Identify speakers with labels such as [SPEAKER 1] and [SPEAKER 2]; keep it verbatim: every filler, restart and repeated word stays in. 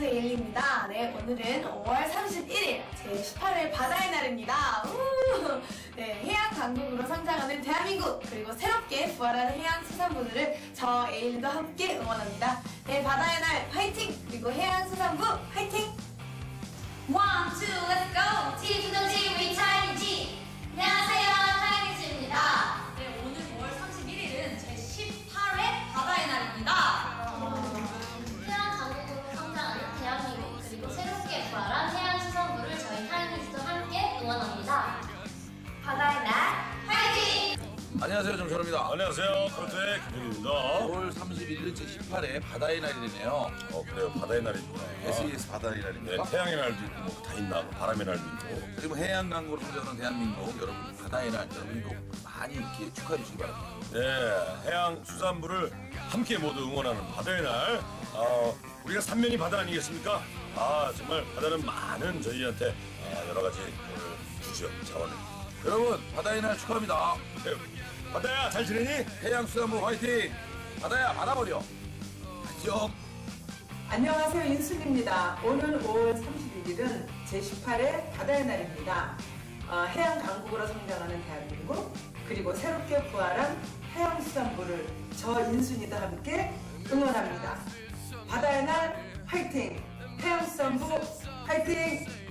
[SPEAKER 1] 안녕하세요, 예일입니다. 네, 오늘은 오월 삼십일일 제십팔 회 바다의 날입니다. 우! 네, 해양 강국으로 성장하는 대한민국, 그리고 새롭게 부활하는 해양수산부들을 저 에일리도 함께 응원합니다. 네, 바다의 날 파이팅! 그리고 해양수산부 파이팅!
[SPEAKER 2] One, two, let's go! T to the G, we Chinese G! 안녕하세요, 차이니즈입니다. 네, 오늘 오월 삼십일일은 제십팔 회 바다의 날입니다. 해양 강국으로 성장하는 대한민국, 그리고 새롭게 부활한 해양수산부를 저희 차이니즈도 함께 응원합니다. 바다의 날, 화이팅!
[SPEAKER 3] 안녕하세요, 정철입니다.
[SPEAKER 4] 안녕하세요, 크로트의 김정입니다.
[SPEAKER 3] 오월 삼십일일 제십팔 회 바다의 날이네요.
[SPEAKER 4] 어 그래요, 바다의 날이구나.
[SPEAKER 3] 에스이에스 바다의
[SPEAKER 4] 네,
[SPEAKER 3] 날입니까?
[SPEAKER 4] 태양의 날도 있고 뭐 다 있나, 바람의 날도 있고.
[SPEAKER 3] 그리고 해양 강국으로 성장하는 대한민국 여러분 바다의 날 여러분도 많이 이렇게 축하해 주시기 바랍니다.
[SPEAKER 4] 네, 해양 수산부를 함께 모두 응원하는 바다의 날. 어, 우리가 삼면이 바다 아니겠습니까? 아 정말 바다는 많은 저희한테 아, 여러 가지 어, 주죠, 자원을.
[SPEAKER 3] 여러분 바다의 날 축하합니다.
[SPEAKER 4] 네, 바다야 잘 지내니?
[SPEAKER 3] 해양수산부 화이팅! 바다야 받아버려. 안녕.
[SPEAKER 5] 안녕하세요, 인순입니다. 오늘 오월 삼십일일은 제십팔 회 바다의 날입니다. 어, 해양 강국으로 성장하는 대한민국, 그리고 새롭게 부활한 해양수산부를 저 인순이도 함께 응원합니다. 바다의 날 화이팅! 해양수산부 화이팅!